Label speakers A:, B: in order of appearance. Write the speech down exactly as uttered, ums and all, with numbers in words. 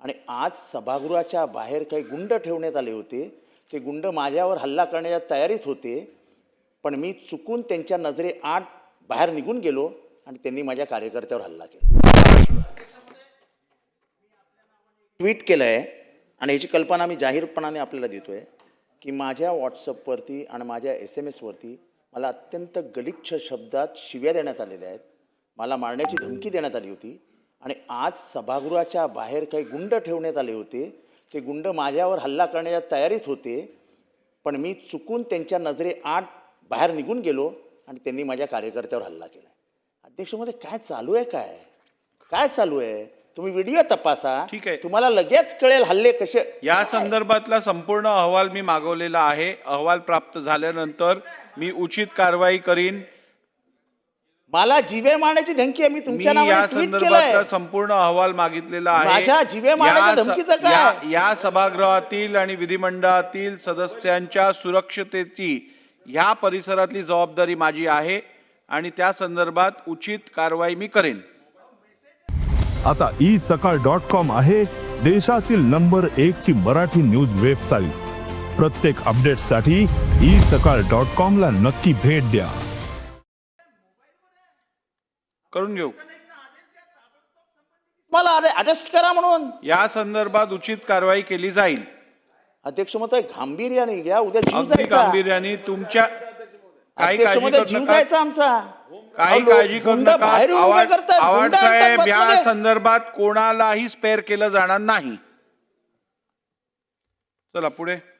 A: आणि आज सभागृहाच्या बाहेर काही गुंड ठेवण्यात आले होते. ते गुंड माझ्यावर हल्ला करण्याच्या तयारीत होते, पण मी चुकून त्यांच्या नजरेआड बाहेर निघून गेलो आणि त्यांनी माझ्या कार्यकर्त्यावर हल्ला केला. ट्विट केलं आहे आणि याची कल्पना मी जाहीरपणाने आपल्याला देतोय की माझ्या व्हॉट्सअपवरती आणि माझ्या एस एम एसवरती मला अत्यंत गलिच्छ शब्दात शिव्या देण्यात आलेल्या आहेत. मला मारण्याची धमकी देण्यात आली होती आणि आज सभागृहाच्या बाहेर काही गुंड ठेवण्यात आले होते. ते गुंड माझ्यावर हल्ला करण्याच्या तयारीत होते, पण मी चुकून त्यांच्या नजरेआड बाहेर निघून गेलो आणि त्यांनी माझ्या कार्यकर्त्यावर हल्ला केला. अध्यक्षमध्ये काय चालू आहे? काय काय चालू आहे? तुम्ही व्हिडिओ तपासा,
B: ठीक आहे,
A: तुम्हाला लगेच कळेल हल्ले कसे.
B: या संदर्भातला संपूर्ण अहवाल मी मागवलेला आहे. अहवाल प्राप्त झाल्यानंतर मी उचित कारवाई करीन.
A: मला जीवे मारण्याची धमकी आहे. मी तुमच्या नावाने
B: या
A: ट्विट केलंय.
B: संदर्भातला संपूर्ण अहवाल मागितलेला आहे.
A: माझ्या जीवे मारण्याच्या
B: या स-
A: धमकीचं काय?
B: या- या सभागृहातील आणि विधिमंडळातील सदस्यांच्या सुरक्षतेची ह्या परिसरातली जबाबदारी माझी आहे आणि त्या संदर्भात उचित कारवाई मी करेन.
C: आता ई सकाळ डॉट कॉम आहे देशातील नंबर एक ची मराठी न्यूज वेबसाईट. प्रत्येक अपडेटसाठी ई सकाळ डॉट कॉम ला नक्की भेट द्या.
B: करून घेऊ.
A: मला अरे अरेस्ट करा म्हणून
B: या संदर्भात उचित कारवाई केली जाईल.
A: अध्यक्ष महोदय गांभीर्याने घ्या. उद्या जीव
B: अगदी
A: जायचा.
B: गांभीर्याने तुमच्या काही
A: अध्यक्ष
B: काळजी
A: महोदय
B: करू
A: जीव
B: नका.
A: जायचा आमचा.
B: काही
A: अहो,
B: काळजी करू
A: गुंड
B: नका.
A: बाहेर येऊन उभे
B: आवाज
A: करतात,
B: आवाज
A: गुंड आणतात
B: साहेब, या
A: बसमध्ये.
B: संदर्भात कोणालाही स्पेअर केलं जाणार नाही. चला पुढे.